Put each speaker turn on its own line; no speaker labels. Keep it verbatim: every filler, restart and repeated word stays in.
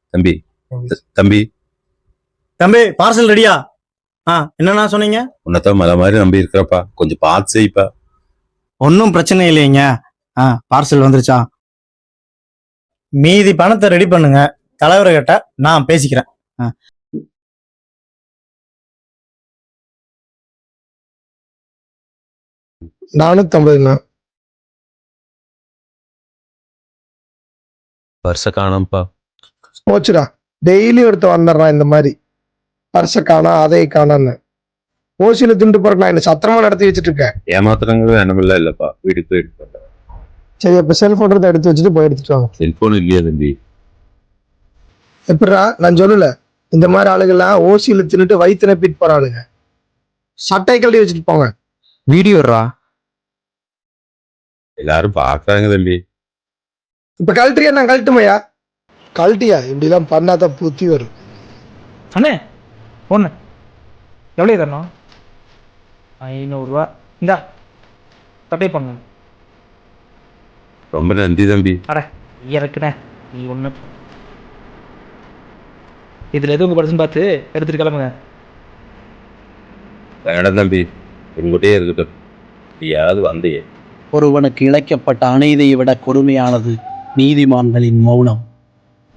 தம்பி தம்பி
தம்பி பார்சல் ரெடியா? ஆ என்னண்ணா சொன்னீங்க?
உன்னதான் மலை மாதிரி நம்பி இருக்கிறப்பா, கொஞ்சம் பார்த்து செய்ப்பா.
ஒன்றும் பிரச்சனை இல்லைங்க. ஆ பார்சல் வந்துருச்சா? மீதி பணத்தை ரெடி பண்ணுங்க, தலைவர்கிட்ட நான் பேசிக்கிறேன். ஆ
நானூத்தி ஐம்பதுண்ணா.
பர்ச காணோம்ப்பா.
போச்சுடா, டெய்லி ஒருத்த வந்துடுறான் இந்த மாதிரி. பர்ச காணா அதை காணான்னு ஓசியில திண்டு போறேன். நான் என்ன சத்திரமா நடத்தி வச்சுட்டு இருக்கேன்.
ஏமாத்துறங்கிறது என்னமில்ல இல்லப்பா, வீட்டுக்கு போய் எடுத்து.
சரி, அப்ப செல்போன் எடுத்து வச்சுட்டு போய் எடுத்துட்டு வாங்க.
செல்போன் இல்லையா தம்பி?
எப்படிடா, நான் சொல்லல இந்த மாதிரி ஆளுகள்லாம் ஓசியில தின்னுட்டு வயிற்று நப்பிட்டு போறாளுங்க. சட்டை கழட்டி வச்சுட்டு போங்க.
வீடியோரா
எல்லாரும் பாக்குறாங்க தம்பி.
இப்ப கழட்டியா? நான் கழட்டுமையா? கழட்டியா? இப்படிலாம் பண்ணாதான் புத்தி வரும்.
அண்ணே ஒன்று எவ்வளோ தரணும்? ஐநூறுரூவா. இந்தா தட்டை பண்ணு.
ரொம்ப நன்றி தம்பி.
அட இறக்குண்ணே, நீ ஒன்று இதில் எது உங்கள் பர்சன் பார்த்து எடுத்துகிட்டு கிளம்புங்க.
வேணாம் தம்பி, என்கிட்டயே இருக்கட்டும். நீயாவது வந்தையே.
ஒருவனுக்கு இழைக்கப்பட்ட அநீதியை விட கொடுமையானது நீதிமான்களின் மௌனம்.